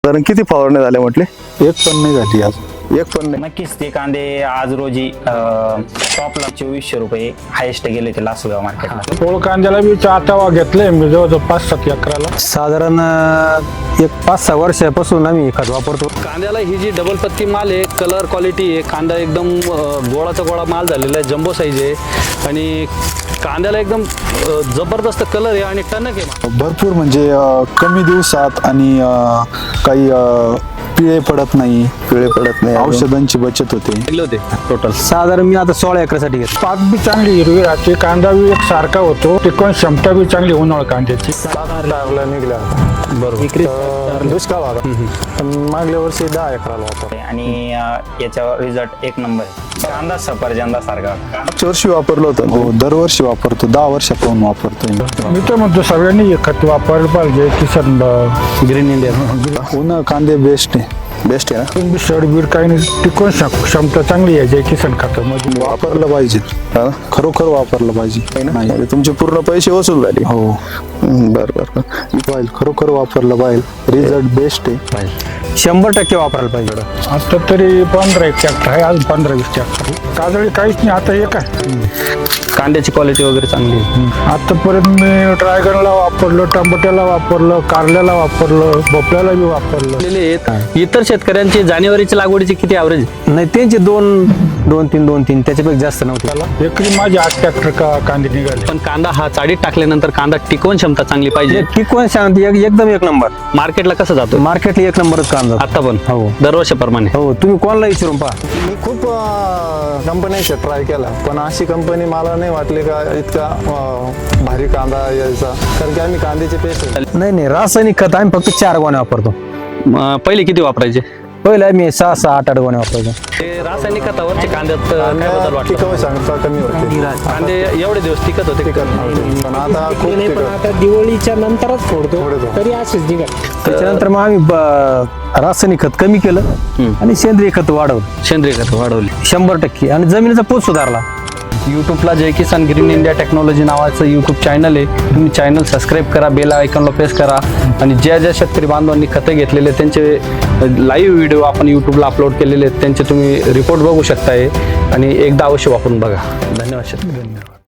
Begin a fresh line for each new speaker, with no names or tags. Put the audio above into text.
साधारण किती फवारण्या झाल्या म्हटले?
एक पण नाही झाली आज.
एक पण नाही.
नक्कीच ते कांदे आज रोजी टॉपला 2400 रुपये हायेस्ट गेले ते लासलगाव मार्केटला.
पोळ कांद्याला मी आतावा घेतलंय मी जवळजवळ 5-7 एकराला.
साधारण एक 5-6 वर्षापासून आम्ही खत वापरतो.
कांद्याला ही जी डबल पत्ती माल आहे, कलर क्वालिटी आहे, कांदा एकदम गोळाचा गोळा माल झालेला आहे, जम्बो साईज आहे आणि कांद्याला एकदम जबरदस्त कलर आहे आणि टणक आहे.
भरपूर म्हणजे कमी दिवसात आणि काही पिळे पडत नाही, औषधांची बचत होते.
लागले होते टोटल
साधारण मी आता 16 एकरासाठी घेतो.
पात बी चांगली हिरवी राहते, कांदा बी एक सारखा होतो, टिकवण क्षमता बी चांगली उन्हाळ कांद्याची. निघल्या बरोबर दुष्काळ भागा मागल्या वर्षी 10 एकराला होता
आणि याचा रिझल्ट एक नंबर आहे. कांदा सफरचंदा सारखा.
मागच्या वर्षी वापरलं होतं.
हो, दरवर्षी वापरतो, 10 वर्षापासून वापरतोय मी तर म्हणतो सगळ्यांनी हे खत वापरलं पाहिजे. किसन
ग्रीन इंडिया
उन्हाळ कांदे बेस्ट आहे.
बेस्ट आहे ना?
सडबीड काही नाही, टिकवण क्षमता चांगली आहे जय किसन खतामध्ये. वापरलं पाहिजे,
हा?
खरोखर वापरलं पाहिजे. नाही
म्हणजे तुमचे पूर्ण पैसे वसूल झाले.
हो
बरं.
पाहिजे, खरोखर वापरलं पाहिजे. रिझल्ट बेस्ट आहे.
100% वापरायला पाहिजे.
आता तरी 15 ट्रॅक्टर आहे, अजून 15-20 ट्रॅक्टर. काजळी काहीच नाही आता. एक आहे
कांद्याची क्वालिटी वगैरे चांगली आहे.
आतापर्यंत मी ड्रॅगनला वापरलं, टमाट्याला वापरलं, कारल्याला वापरलं, भोपळ्याला बी वापरलं.
इतर शेतकऱ्यांची जानेवारीची लागवडीची किती ॲव्हरेज?
नाही त्यांचे 2-3 त्याच्यापेक्षा जास्त नव्हते.
एकरी माझे 8 ट्रॅक्टर कांदे निघाले.
पण कांदा हा चाडीत टाकल्यानंतर कांदा टिकवण क्षमता चांगली पाहिजे.
टिकवण सांगते एकदम एक नंबर.
मार्केटला कसं जातो?
मार्केटला एक नंबरच कांदा.
आता पण
हो
दरवर्षाप्रमाणे.
हो, तुम्ही कोणाला विचारून पहा.
मी खूप कंपन्यांचा ट्राय केला, पण अशी कंपनी मला नाही वाटली का इतका भारी कांदा यायचा. कारण की आम्ही कांद्याचे पेस्ट
नाही रासायनिक खत आम्ही फक्त 4 गोण्या वापरतो.
पहिले किती वापरायचे?
पहिले आम्ही 6-8 गोण्या वापरायचो.
ते रासायनिक खतावरचे कांद्यात काय बदल वाटतो?
टिकाऊ क्षमता कमी होती.
कांदे एवढे दिवस टिकत होते.
पण आता खूप
नाही, पण आता दिवाळीच्या नंतरच फोडतो तरी असेच निघत.
त्याच्यानंतर मग आम्ही रासायनिक खत कमी केलं आणि सेंद्रिय खत वाढवलं.
सेंद्रिय खत वाढवली
100% आणि जमिनीचा पोत सुधारला.
यूट्यूबला Jai Kisan green India technology नावाचं यूट्यूब चॅनल आहे. तुम्ही चॅनल सबस्क्राईब करा, बेल आयकॉनला प्रेस करा आणि ज्या शेतकरी बांधवांनी खतं घेतलेले त्यांचे लाईव्ह व्हिडिओ आपण यूट्यूबला अपलोड केलेले आहेत, त्यांचे तुम्ही रिपोर्ट बघू शकताय आणि एकदा अवश्य वापरून बघा. धन्यवाद शेतकरी.